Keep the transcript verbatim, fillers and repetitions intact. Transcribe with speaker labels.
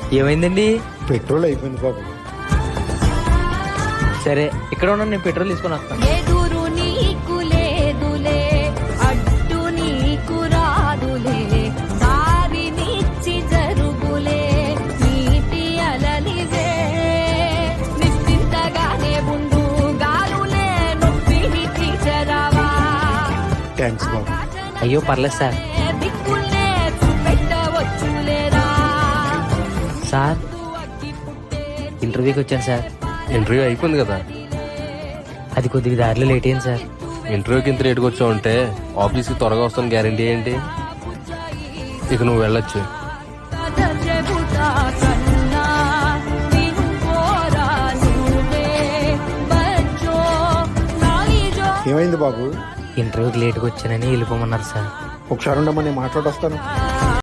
Speaker 1: ఏమైందండి?
Speaker 2: పెట్రోల్ అయిపోయింది బాబు.
Speaker 1: సరే ఇక్కడ ఉన్నాను, నేను పెట్రోల్ తీసుకొని వస్తాను.
Speaker 3: ఎదురు నీకు లేదులే, అడ్డు నీకు రాదులే, దారి నిచ్చి జరుగులే, నీటి అలలివే, నిశ్చింతగానే ఉండు, గాలులే నొప్పిని తీర్చరావా.
Speaker 2: థ్యాంక్స్ బాబు.
Speaker 1: అయ్యో పర్లేదు సార్.
Speaker 3: దిక్కులే చూపెట్టవచ్చులేరా.
Speaker 1: సార్ ఇంటర్వ్యూకి వచ్చాను సార్.
Speaker 4: ఇంటర్వ్యూ అయిపోయింది కదా.
Speaker 1: అది కొద్దిగా దారిలో లేట్ అయింది సార్.
Speaker 4: ఇంటర్వ్యూకి ఇంత లేట్గా వచ్చావు అంటే ఆఫీస్కి త్వరగా వస్తాను గ్యారంటీ ఏంటి? ఇక నువ్వు వెళ్ళొచ్చు.
Speaker 3: చెబుతా కన్నా వినుకోరా నువ్వే, బజ్జో నాలిజో.
Speaker 2: ఏమైంది బాబు?
Speaker 1: ఇంటర్వ్యూకి లేట్గా వచ్చానని వెళ్ళిపోమన్నారు సార్.
Speaker 2: ఒకసారి ఉండమని మాట్లాడొస్తాను.